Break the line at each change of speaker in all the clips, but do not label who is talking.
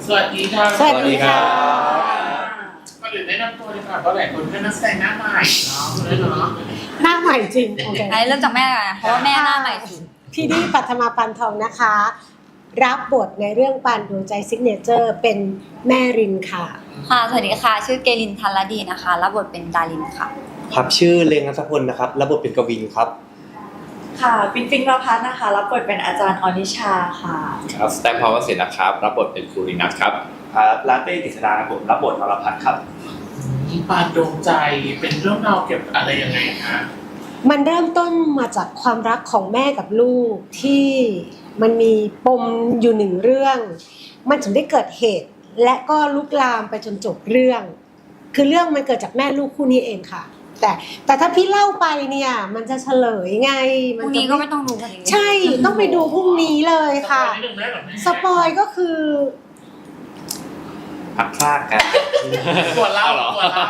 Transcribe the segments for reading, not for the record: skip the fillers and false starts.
สวัสดีค่ะ
สวัสดีค่ะ
ก่อนอื่นแนะนำตัวเลยค่ะเพราะหลายคนเป็นนักแสดงหน้าใหม่เนาะเลยเนาะ
หน้าใหม่จริงโอเค
ไอ้เริ่มจากแม่ก่อนนะเพราะว่าแม่หน้าใหม่สุด
พี่ดีปัทมาปันทองนะคะ รับบทในเรื่องปานดวงใจซิกเนเจอร์เป็นแม่รินค่ะ
ค่ะสวัสดีค่ะชื่อเกลินทันลดีนะคะรับบทเป็นดารินค่ะ
ครับชื่อเลงนัทพลนะครับรับบทเป็นกวินครับ
ค่ะปิงปิงประพัฒน์นะคะรับบทเป็นอาจารย์อนิชาค่ะ
ครับสแตมพาวเวอร์เสนนะครับรับบทเป็นครูรินัทครับ
ครับลาเต้กฤษดาครับผมรับบทนรพัฒน์ครับ
ปานดวงใจเป็นเรื่องราวเกี่ยวกับอะไรยังไงคะ
มันเริ่มต้นมาจากความรักของแม่กับลูกที่มันมีปมอยู่หนึ่งเรื่อง มันถึงได้เกิดเหตุ และก็ลุกลามไปจนจบเรื่อง คือเรื่องมันเกิดจากแม่ลูกคู่นี้เองค่ะ แต่ถ้าพี่เล่าไปเนี่ยมันจะเฉลยไง
พรุ่งนี้ก็ไม่ต้องดูกันอีก
ใช่ต้องไปดูพรุ่งนี้เลยค่ะ
นิดนึงได้หรอแม่
สปอยก็คือ
พักพลากกัน
ตัวเล่าตัวเล่า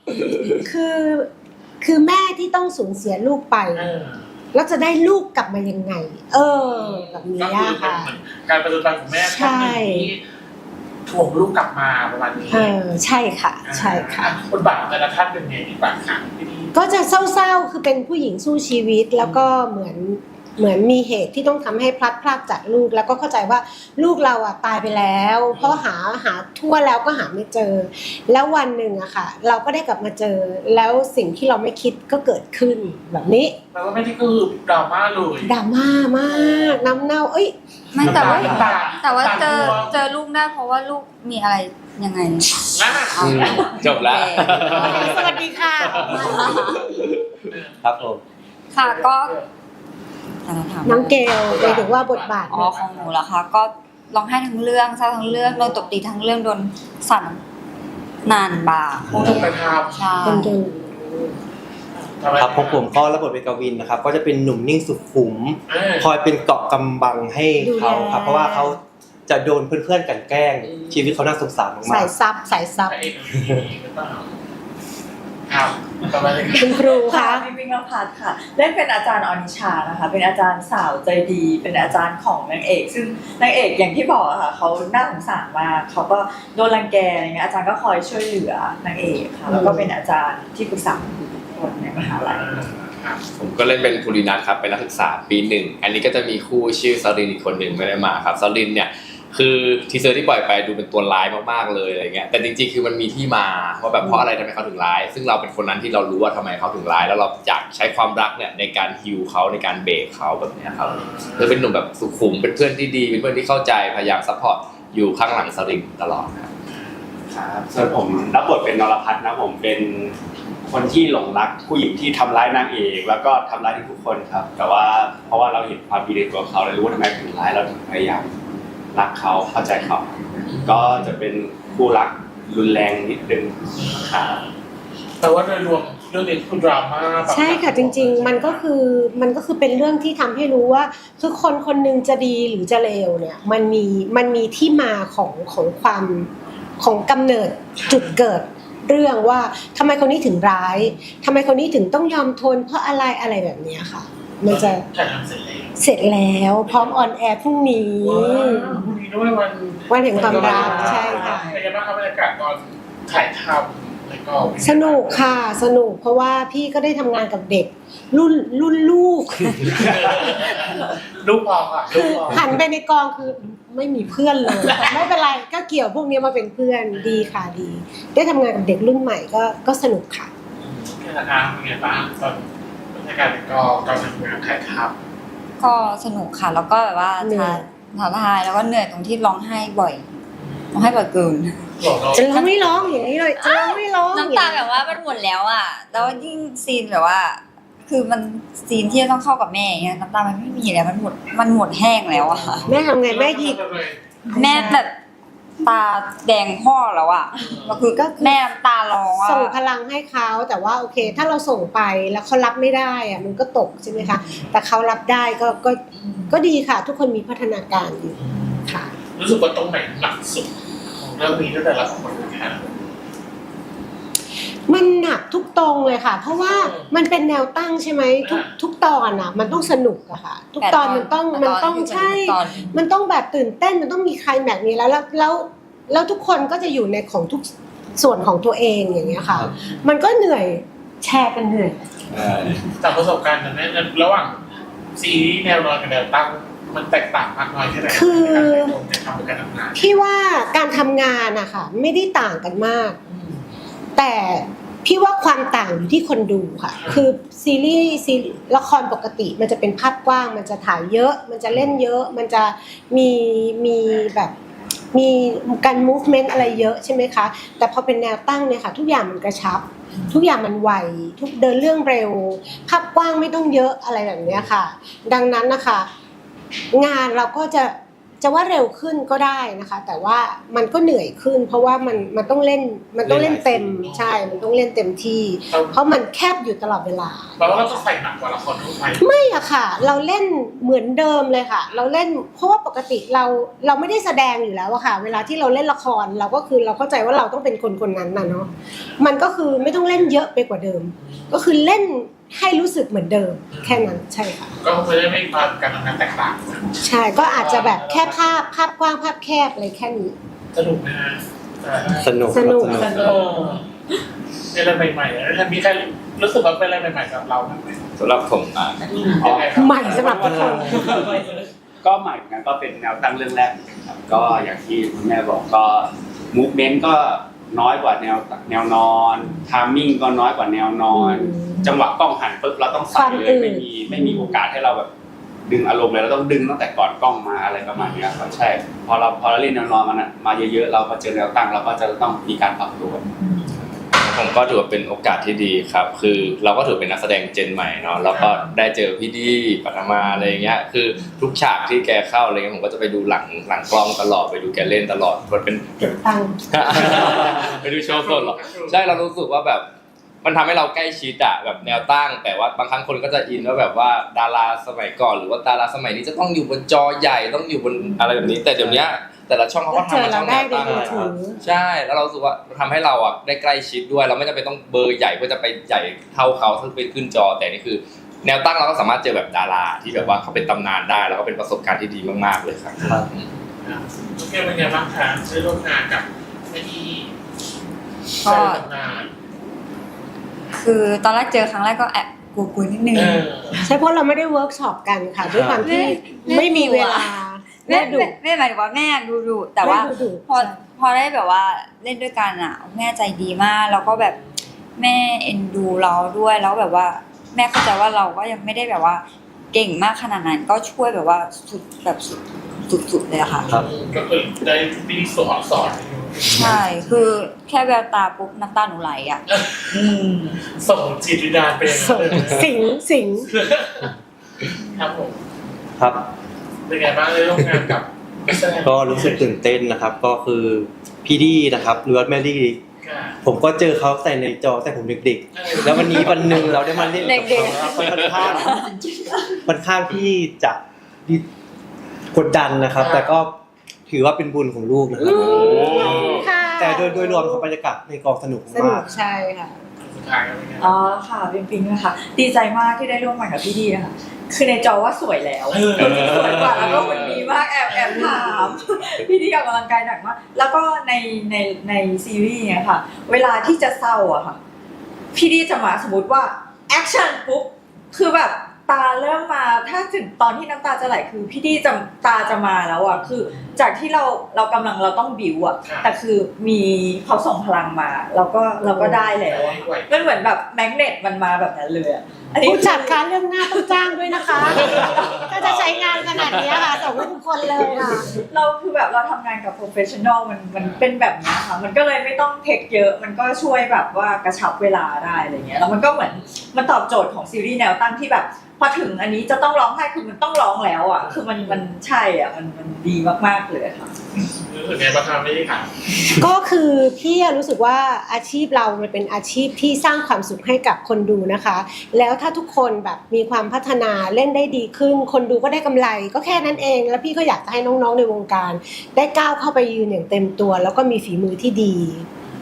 คือแม่ที่ต้องสูญเสียลูกไป แล้วจะได้ลูกกลับมายังไง แบบนี้
ก็คือ
ค่ะ
เหมือนการประจนภัยของแม่ท่านหนึ่งที่ถ่วงลูกกลับมาประมาณนี้
ใช่ค่ะ ใช่ค่ะ
บทบาทของแต่ละท่านเป็นไงดีบ้างคะพี่ดี
ก็จะเศร้าๆ คือเป็นผู้หญิงสู้ชีวิต แล้วก็เหมือนมีเหตุที่ต้องทำให้พลัดพรากจากลูก แล้วก็เข้าใจว่าลูกเราอ่ะตายไปแล้ว เพราะหาทั่วแล้วก็หาไม่เจอ แล้ววันหนึ่งอะค่ะ เราก็ได้กลับมาเจอ แล้วสิ่งที่เราไม่คิดก็เกิดขึ้นแบบนี้
แปลว่าไม่ได้คือดราม่าเลย
ดราม่ามากน้ำเน่า
ไม่แต่ว่า
น้ำตา
แต่ว่าเจอ
น้ำตา
เจอลูกได้เพราะว่าลูกมีอะไรยังไง
อ่ะ
จบแล้ว
สวัสดีค่ะ
ครับผม
ค่ะก็
น้องเกลไปถึงว่าบทบาท
อ๋อของหนูเหรอคะก็ร้องไห้ทั้งเรื่องเศร้าทั้งเรื่องโดนตบตีทั้งเรื่องโดนสั่นนานบา
ผู้ถูกกระท
ใช่
คนจน
ำทำไม
ครับผมก็รับบทเป็นกวินนะครับก็จะเป็นหนุ่มนิ่งสุขุม
อ่า
คอยเป็นเกราะกำบังให้เขาครับเพราะว่าเขาจะโดนเพื่อนๆกลั่นแกล้ง ชีวิตเขาน่าสงสารมา
สาย
ก
ซับสายซับ
พระเอกหรือเปล่าครับประมาณนี้
คุณครู
ค่ะ
คะ
ปิงปิงประพัฒน์ค่ะเล่นเป็นอาจารย์อนิชานะคะเป็นอาจารย์สาวใจดี เป็นอาจารย์ของนางเอก ซึ่งนางเอกอย่างที่บอกอะค่ะเขาน่าสงสารมากเขาก็โดนรังแกอะไรเงี้ยอาจารย์ก็คอยช่วยเหลือนางเอกค่ะแล้วก็เป็นอาจารย์ที่ปรึกษาคนในมหาลัย
ครับ
ผมก็เล่นเป็นครูรินัทครับเป็นนักศึกษาปีหนึ่งอันนี้ก็จะมีคู่ชื่อซารินอีกคนหนึ่งไม่ได้มาครับซารินเนี่ยคือทีเซอร์ที่ปล่อยไปดูเป็นตัวร้ายมากๆเลยอะไรเงี้ยแต่จริงๆคือมันมีที่มาว่าแบบเพราะอะไรทำไมเขาถึงร้าย ซึ่งเราเป็นคนนั้นที่เรารู้ว่าทำไมเขาถึงร้าย แล้วเราอยากใช้ความรักเนี่ยในการฮิวเขาในการเบรกเขาแบบเนี้ยครับเลยเป็นหนุ่มแบบสุขุมเป็นเพื่อนที่ดีเป็นเพื่อนที่เข้าใจพยายามซัพพอร์ตอยู่ข้างหลังซารินตลอดครับ
ครับส่วนผมรับบทเป็นนรพัฒน์นะผมเป็นคนที่หลงรักผู้หญิงที่ทำร้ายนางเอกแล้วก็ทำร้ายทุกคนครับแต่ว่าเพราะว่าเราเห็นความดีในตัวเขาเรารู้ว่าทำไมถึงร้ายเราถึงพยายามรักเขาเข้าใจเขาก็จะเป็นคู่รักรุนแรงนิดนึงครับ
แต่ว่าโดยรวมเรื่องนี้คือดราม่าแบบ
ใช่ค่ะจริงๆมันก็คือเป็นเรื่องที่ทำให้รู้ว่าคือคนคนหนึงจะดีหรือจะเลวเนี่ยมันมีที่มาของความของกำเนิดจุดเกิดเรื่องว่าทำไมคนนี้ถึงร้ายทำไมคนนี้ถึงต้องยอมทนเพราะอะไรแบบเนี้ยค่ะ มันจะ
ถ่ายทำเสร็จแล้ว
เสร็จแล้วพร้อมออนแอร์พรุ่งนี้
พรุ่งนี้ด้วยวัน
แห่งความรักใช่ค่ะ
เป็นยังไงบ้างครับบรรยากาศตอนถ่ายทำแล้วก็
สนุกค่ะสนุกเพราะว่าพี่ก็ได้ทำงานกับเด็กรุ่นลูก
ลูกพอค่ะลู
คื
ก
อ
พอ
หันไปในกองคือไม่มีเพื่อนเลย ไม่เป็นไรก็เกี่ยวพวกนี้มาเป็นเพื่อนดีค่ะดี ได้ทำงานกับเด็กรุ่นใหม่ก็สนุกค่ะ
พี่นะคะเป็นไงบ้างตอนบรรยากาศในกองตอนทำงานถ่ายท
ก็สนุกค่ะแล้วก็แบบว่า
เหนื่อย
ท้าทายแล้วก็เหนื่อยตรงที่ร้องไห้บ่อยร้องไห้บ่อยเกิน
ำบอกเรา
จะร้องไม่ร้องอย่างนี้เลยจะร้องไม่ร้อง
น้ำตาแบบว่ามันหมดแล้วอ่ะแล้วยิ่งซีนแบบว่า คือมันซีนที่จะต้องเข้ากับแม่อย่างเงี้ยน้ำตามันไม่มีแล้วมันหมดแห้งแล้วอ่ะ
แม่ทำไงแม่หยิบ
แม่แบบตาแดงพ่อแล้วอ่ะก็คือแม่น้ำตาร้องอ่ะ
ส่งพลังให้เขาแต่ว่าโอเค ถ้าเราส่งไปแล้วเขารับไม่ได้อะมันก็ตกใช่ไหมคะแต่เขารับได้ก็ดีค่ะ ทุกคนมีพัฒนาการอยู่ค่ะ
รู้สึกว่าตรงไหนหนักสุดของเรื่องนี้ตั้งแต่ละคนนะคะ
มันหนักทุกตรงเลยค่ะ เพราะว่ามันเป็นแนวตั้งใช่ไหมทุกตอนอ่ะ มันต้องสนุกอะค่ะ ทุกตอนมันต้องใช่ มันต้องแบบตื่นเต้นมันต้องมีไคลแม็กซ์นี้แล้วแล้วทุกคนก็จะอยู่ในของทุกส่วนของตัวเองอย่างเงี้ยค่ะ
ครับ
มันก็เหนื่อยแชร์กันเหนื่อย
จากประสบการณ์นั้นระหว่างซีรีส์แนวนอนกับแนวตั้งมันแตกต่างมากน้อยแค่ไหน
คือ
ในการทำการทำงาน
พี่ว่าการทำงานอะค่ะไม่ได้ต่างกันมาก แต่พี่ว่าความต่างอยู่ที่คนดูค่ะ คือซีรีส์ละครปกติมันจะเป็นภาพกว้าง มันจะถ่ายเยอะ มันจะเล่นเยอะ มันจะมีแบบมีการ movement อะไรเยอะใช่ไหมคะ แต่พอเป็นแนวตั้งเนี่ยค่ะ ทุกอย่างมันกระชับ ทุกอย่างมันไวทุกเดินเรื่องเร็ว ภาพกว้างไม่ต้องเยอะอะไรแบบเนี้ยค่ะ ดังนั้นนะคะงานเราก็จะว่าเร็วขึ้นก็ได้นะคะ แต่ว่ามันก็เหนื่อยขึ้น เพราะว่ามันต้องเล่นเต็มใช่มันต้องเล่นเต็มที่ เพราะมันแคบอยู่ตลอดเวลา
แปลว่าเราต้องใส่หนักกว่าละครทั่วไป
ไม่อะค่ะ เราเล่นเหมือนเดิมเลยค่ะ เราเล่นเพราะว่าปกติเราไม่ได้แสดงอยู่แล้วอะค่ะ เวลาที่เราเล่นละครเราก็คือเราเข้าใจว่าเราต้องเป็นคนนั้นน่ะเนาะมันก็คือไม่ต้องเล่นเยอะไปกว่าเดิม ก็คือเล่นให้รู้สึกเหมือนเดิมแค่นั้นใช่ค่ะ
ก็ไม่ได้มีความการทำงานแตกต่าง
ใช่ก็อาจจะแบบแค่ภาพกว้างภาพแคบอะไรแค่นี้
สนุกนะฮะ
สนุก
สนุก
ครับ
เป็นอะไรใหม่ๆแล้วมีใครรู้สึกว่าเป็นอะไรใหม่ๆสำหรับเราบ้างไหม
สำหรับผม
ยังไงครับ
ใหม่สำหรับทุกคน
ก็ใหม่เหมือนกันก็เป็นแนวตั้งเรื่องแรกเหมือนกันครับก็อย่างที่คุณแม่บอกก็มูฟเมนต์ก็น้อยกว่าแนวนอนทามมิ่งก็น้อยกว่าแนวนอน จังหวะกล้องหันปุ๊บเราต้องใส่เลยไม่มีโอกาสให้เราแบบดึงอารมณ์เลยเราต้องดึงตั้งแต่ก่อนกล้องมาอะไรประมาณนี้ครับใช่พอเราเล่นแนวนอนมันมาเยอะๆเราพอเจอแนวตั้งเราก็จะต้องมีการปรับตัว
ผมก็ถือว่าเป็นโอกาสที่ดีครับ คือเราก็ถือเป็นนักแสดงเจนใหม่เนาะแล้วก็ได้เจอพี่ดีปัทมาอะไรเงี้ยคือทุกฉากที่แกเข้าอะไรเงี้ยผมก็จะไปดูหลังกล้องตลอดไปดูแกเล่นตลอดมันเป็น
เก็บตังค์
ไปดูโชว์สดหรอใช่เรารู้สึกว่าแบบมันทำให้เราใกล้ชิดอะแบบแนวตั้ง แต่ว่าบางครั้งคนก็จะอินว่าแบบว่าดาราสมัยก่อนหรือว่าดาราสมัยนี้จะต้องอยู่บนจอใหญ่ต้องอยู่บนอะไรแบบนี้แต่เดี๋ยวนี้แต่ละช่องเขาก็ทำมาช่องแนวตั้ง
ก็เจอเราได้ในมือถือ
ใช่แล้วเราสึกว่าทำให้เราอ่ะได้ใกล้ชิดด้วยเราไม่จำเป็นต้องเบอร์ใหญ่เพื่อจะไปใหญ่เท่าเขาซึ่งไปขึ้นจอแต่นี่คือ แนวตั้งเราก็สามารถเจอแบบดาราที่แบบว่าเขาเป็นตำนานได้แล้วก็เป็นประสบการณ์ที่ดีมากๆเลยครับ
โอเคเป็นไงบ้างคะได้ร่วมงานกับไม่ดี
ก็
ได้ทำงาน
คือตอนแรกเจอครั้งแรกก็แอบกลัวๆนิดนึง
ใช่เพราะเราไม่ได้เวิร์กช็อปกันค่ะด้วยความที่
แม่
ไม่มีเวลา
แม่
ดุ
แม่หมายถึงว่าแม่ดูแต่ว่า
แม่ดุ
พอได้แบบว่าเล่นด้วยกันอ่ะ แม่ใจดีมากแล้วก็แบบแม่เอ็นดูเราด้วยแล้วแบบว่า แม่เข้าใจว่าเราก็ยังไม่ได้แบบว่าเก่งมากขนาดนั้นก็ช่วยแบบว่าสุดเลยอะค่ะ
ครับ
ก็คือได้พี่สอน
ใช่คือแค่แววตาปุ๊บน้ำตาหนูไหลอ่ะ
ส่งจิตวิญญาณไปอย่างนั้นเลย
สิง
ครับผม
ครับ
เป็นไงบ้างได้ร่วมงานกับนัแสดง
ก็รู้สึกตื่นเต้นนะครับ ก็คือพี่ดีนะครับหรือว่าแมรี่
ค่ะ
ผมก็เจอเขาแต่ในจอแต่ผมเด็กๆ แล้ววันนี้วันหนึ่งเราได้มาเล่นกับ
เด็ก
เขาค่อนข้างที่จะกดดันนะครับ แต่ก็ถือว่าเป็นบุญของลูกนะครับ
ค่ะ
แต่โดยรวมของบรรยากาศในกองสนุก
สนุ
มาก ก
ใช่ค่ะ
สุดท้ายแล้วเป็นไง
อ๋อค่ะปิงนะคะดีใจมากที่ได้ร่วมงานกับพี่ดีนะคะคือในจอว่าสวยแล้วสวยกว่าแล้วก็หุ่นดีมากแอบถามพี่ดีออกกำลังกายหนักมากแล้วก็ในซีรีส์เนี่ยค่ะ เวลาที่จะเศร้าอะค่ะพี่ดีจะมาสมมติว่าแอคชั่นปุ๊บคือแบบตาเริ่มมาถ้าถึงตอนที่น้ำตาจะไหลคือพี่ดีจะตาจะมาแล้วอะคือจากที่เรากำลังเราต้องบิวอะแต่คือมีเขาส่งพลังมาเราก็ได้แล้วอะมันเหมือนแบบแมกเนตมันมาแบบนั้นเลยอะอันนี้
ผู้จัดคะเรื่องหน้าต้องจ้างด้วยนะคะ ถ้าจะใช้งานขนาดนี้ค่ะส่งให้ทุกคนเลยค่ะ
เราคือแบบเราทำงานกับโปรเฟชชั่นอลมันเป็นแบบนี้ค่ะมันก็เลยไม่ต้องเทคเยอะมันก็ช่วยแบบว่ากระชับเวลาได้อะไรเงี้ยแล้วมันก็เหมือนมันตอบโจทย์ของซีรีส์แนวตั้งที่แบบพอถึงอันนี้จะต้องร้องไห้คือมันต้องร้องแล้วอ่ะคือมันใช่อ่ะมันดีมากๆเลยค่ะ
รู้สึกไงบ้างครับไม่ได้ค่ะ
ก็คือพี่รู้สึกว่าอาชีพเรามันเป็นอาชีพที่สร้างความสุขให้กับคนดูนะคะ แล้วถ้าทุกคนแบบมีความพัฒนาเล่นได้ดีขึ้น คนดูก็ได้กำไรก็แค่นั้นเอง แล้วพี่ก็อยากจะให้น้องๆในวงการ ได้ก้าวเข้าไปยืนอย่างเต็มตัว แล้วก็มีฝีมือที่ดี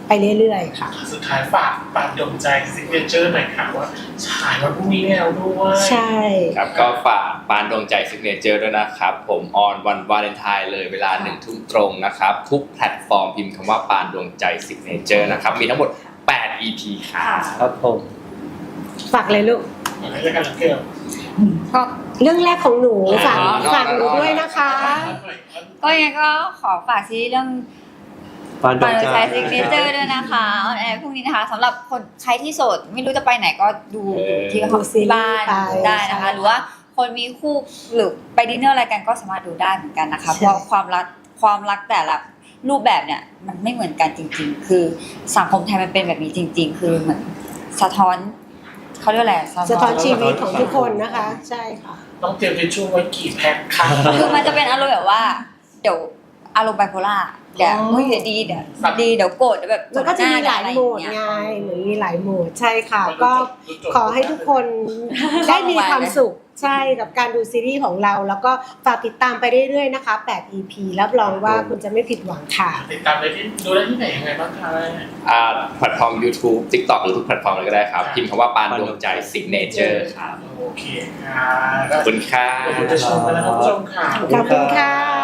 ไปเรื่อยๆค่ะ
สุดท้ายฝากปานดวงใจซิกเนเจอร์หน่อยค่ะว่าฉายวันพรุ่งนี้แล้วด้วย
ใช่
ครับก็ฝากปานดวงใจซิกเนเจอร์ด้วยนะครับผมออนวันวาเลนไทน์เลยเวลา1 ทุ่มตรงนะครับทุกแพลตฟอร์มพิมพ์คำว่าปานดวงใจซิกเนเจอร์นะครับมีทั้งหมด8 EP ครับ
ครับผม
ฝากเลยลูก
อะไรกันล่ะเกิร์ล
ก็
เรื่องแรกของหนูฝาก
อ๋อ
ฝากหนูด้วยนะคะ
ก็ยังก็ขอฝากซีรีส์เรื่อง
ปานดว
ปาง น
ใจ
ใช้ซิกเนเจอร์ด้วยนะคะออนแอร์พรุ่งนี้นะคะสำหรับคนใครที่โสดไม่รู้จะไปไหนก็ดูที่
ดูซีรีส์
บ้าน
ไป
ได้นะคะ หรือว่าคนมีคู่หรือไปดินเนอร์อะไรกันก็สามารถดูได้เหมือนกันนะคะ
ใช่
เพราะความรักแต่ละรูปแบบเนี่ยมันไม่เหมือนกันจริง ๆ คือสังคมไทยมันเป็นแบบนี้จริง ๆ คือเหมือนสะท้อนเขาเรียกอะไร
สะท้อนชีวิตของทุกคนนะคะ ใช่ค่ะ
ต้องเตรียมทิชชู่ไว้กี่แพ็คค่ะ
คือมันจะเป็นอารมณ์แบบว่าเดี๋ยวอารมณ์ไบโพล่าเดี๋ยวเฮ้ยเดี๋ยวดีเดี๋ยวดีเดี๋ยวโกรธเดี๋ยวแบบ
มันก็จะมีหลายโหมด
อะไรอาง
ไง
เงี้ย
เหมือนมีหลายโหมดใช่ค่ะ ก็ขอให้ทุกคนได้มีความสุขใช่กับการดูซีรีส์ของเรา แล้วก็ฝากติดตามไปเรื่อยๆนะคะ8 EP รับรองว่าคุณจะไม่ผิดหวังค่ะ
ติดตามได้ที่ดูได้ที่ไหนยังไงบ้างคะ
แพลตฟอร์ม YouTube TikTok หรือทุกแพลตฟอร์มเลยก็ได้ครับพิมพ์คำว่าปานดวงใจซิกเนเจอร์ครับ
โอเคค่ะ
ขอบคุณค่ะ
ขอบคุณผู้ชมและท่านผู้ชมค่ะ
ขอบคุณค่ะ